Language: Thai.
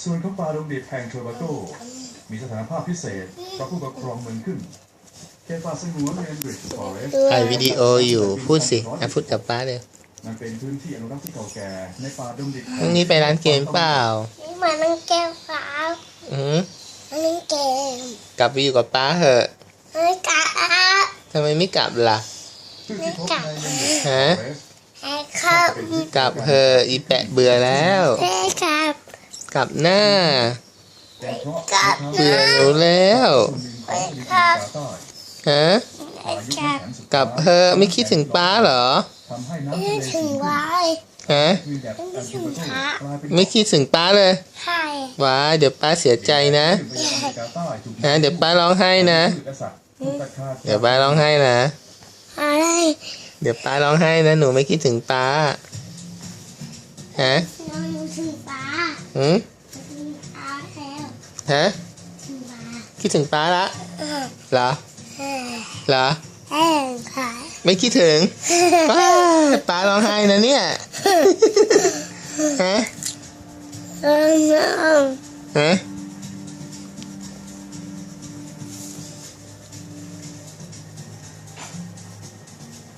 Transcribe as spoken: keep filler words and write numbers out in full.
ส่วนของปลาดงดิบแห่งเทอร์บาโกมีสถานภาพพิเศษเพราะผู้ปกครองเมืองขึ้นเขตป่าสงวนเรนบริดจ์ฟอเรสต์ถ่ายวิดีโออยู่พูดสิอ่ะพูดกับป้าเลยมันเป็นพื้นที่อนุรักษ์ที่เก่าแก่ในป่าดงดิบพรุ่งนี้ไปร้านเกมเปล่านี่เหมือนน้องแก้วครับอืออันนี้เกมกลับไปอยู่กับป้าเหอะอันนี้กาทำไมไม่กลับล่ะซึ่งที่พบในเรนบริดจ์ฟฮะอเรสต์ไอ้ครับกลับเหอะอีแปะเบื่อแล้วไอ้ครับกลับหน้าเป็นเพราะกับเบื่อหนูแล้วส่วนหนึ่งของแผ่นดินกาตาร์ฮะไอ้ครับกลับเหอะไม่คิดถึงป้าเหรอทำให้น้ำไม่ทะเลถึงไว้ฮะมีแบบอันเทอร์บาโกกลายเป็นไม่คิดถึงป้าเลยใช่ว้ายเดี๋ยวป้าเสียใจนะ ฮะเดี๋ยวป้าร้องไห้นะ เดี๋ยวป้าร้องไห้นะอะไรเดี๋ยวป้าร้องไห้นะหนูไม่คิดถึงป้า ฮะน้องถึงปลาหืมถึงปลาแล้วฮะถึงปลาคิดถึงป้าละเออเหรอเออเหรอเออค่ะไม่คิดถึงป้าป้าร้องไห้นะเนี่ย ฮะเออน้องฮะ